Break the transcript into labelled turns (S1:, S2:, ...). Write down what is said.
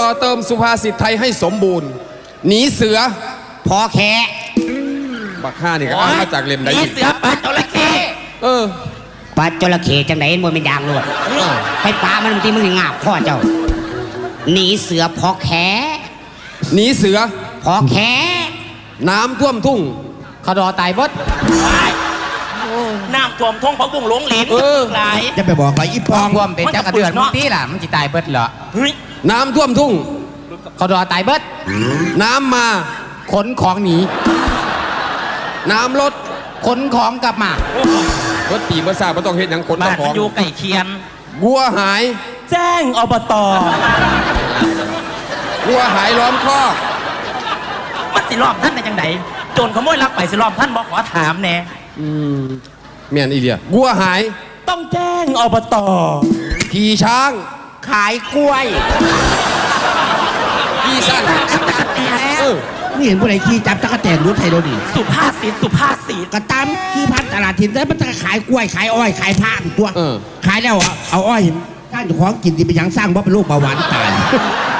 S1: เติมสุภาษิตไทยให้สมบูรณ์หนีเสือ
S2: พอแค่
S1: บักฆ่านี่ก็อ่านมาจากเล่มไหน
S3: หนีเสือปลาจระเข้
S2: ปลาจระเข้จังไหนมันเป็นยางลวดไปปลามันบางทีมันงาบข้อเจ้าหนีเสือพอแค่
S1: หนีเสือ
S2: พอแค่
S1: น้ำท่วมทุ่ง
S2: เขาดอตายบด
S3: น้ำท่วมท้องพระบุ้งหลงหลินหลาย
S4: จะไปบอกอะไรอีปอง
S2: ท่วมเป็นจักระเดือดมึงตีล่ะมันจะตายเบิดเหรอ
S1: น้ำท่วมทุ่ง
S2: เขาดอตายเบิด
S1: น้ำมา
S2: ขนของหนี
S1: น้ำลด
S2: ขนของกลับม
S1: ารถตีเมื่อทราบว่าต้องเห็นอย่างขนของ
S3: อยู่ไก่เคียน
S1: วัวหาย
S3: แจ้งอบต.
S1: วัวหายล้อมคอก
S3: มันสิรอบท่านในจังไดโจรขโมยลักไปสิรอบท่านบอกขอถามแน่
S1: เมียนอีเลียวัวหาย
S3: ต้องแจ้งอบต.
S1: ขี่ช้าง
S2: ขายกล้วย
S1: ขี่สั้น
S4: นี่เห็นผู้ใดขี่จับตะกั่วแตนรู้ไทยโดดี
S3: สุภาษิต
S4: กระตามขี่พันตลาดถิ่นแล้วมันจะขายกล้วยขายอ้อยขายผ้าตัวขายแล้วเอาอ้อยท่านของกินที่ไปยังสร้างว่าเป็นโรคเบาหวานตาย